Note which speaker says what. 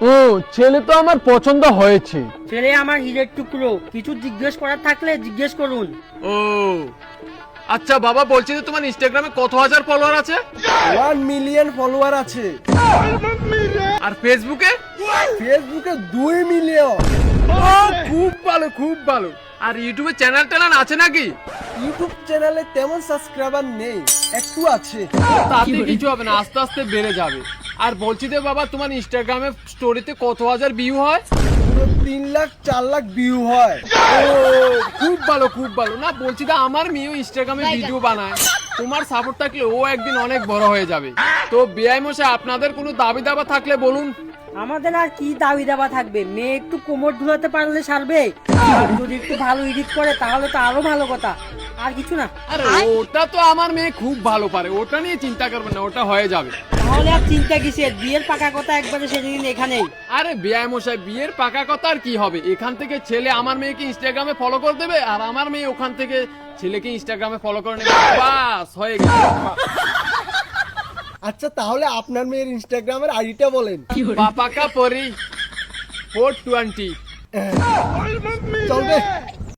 Speaker 1: ও ছেলে তো আমার পছন্দ হয়েছে।
Speaker 2: ছেলে আমার হীরের টুকরো, কিছু জিজ্ঞেস করার থাকলে জিজ্ঞেস করুন।
Speaker 1: ও আচ্ছা বাবা, বলছি যে তোমার ইনস্টাগ্রামে কত হাজার ফলোয়ার আছে?
Speaker 3: 1 মিলিয়ন ফলোয়ার আছে।
Speaker 1: আর ফেসবুকে?
Speaker 3: ফেসবুকে 2 মিলিয়ন।
Speaker 1: খুব ভালো, খুব ভালো। আর ইউটিউবে চ্যানেল ট্যানেল আছে নাকি?
Speaker 3: ইউটিউব চ্যানেলে তেমন সাবস্ক্রাইবার নেই, একটু আছে।
Speaker 1: তাতে কিছু হবে না, আস্তে আস্তে বেড়ে যাবে। আর বলছি যে বাবা, তোমার ইনস্টাগ্রামে স্টোরিতে কত হাজার ভিউ হয়?
Speaker 3: পুরো 3 লাখ 4 লাখ ভিউ হয়।
Speaker 1: ও খুব ভালো, খুব ভালো। না বলছি যে আমার মেয়েও ইনস্টাগ্রামে ভিডিও বানায়, তোমার সাপোর্ট থাকলে ও একদিন অনেক বড় হয়ে যাবে। তো বেআই মশাই, আপনাদের কোনো দাবি দাবা থাকলে বলুন।
Speaker 2: আমাদের আর কি দাবি দাবা থাকবে, মেয়ে একটু কোমর ধুলাতে পারলে সারবে, আর যদি একটু ভালো এডিট করে তাহলে তো আরো ভালো কথা, আর কিছু না।
Speaker 1: আরে ওটা তো আমার মেয়ে খুব ভালো পারে, ওটা নিয়ে চিন্তা করবেন না, ওটা হয়ে যাবে।
Speaker 2: তাহলে আর চিন্তা কিসের, বিয়ের পাকা কথা একবারে সেদিন এখানেই।
Speaker 1: আরে বেআই মশাই, বিয়ের পাকা কথা আর কি হবে, এখান থেকে ছেলে আমার মেয়েকে ইনস্টাগ্রামে ফলো করে দেবে, আর আমার মেয়ে ওখান থেকে ছেলেকে ইনস্টাগ্রামে ফলো করে নেবে, বাস হয়ে গেল।
Speaker 3: আচ্ছা তাহলে আপনার মেয়ের ইনস্টাগ্রামের আইডিটা বলেন।
Speaker 1: পাপাকা পরি 420।
Speaker 3: চলবে।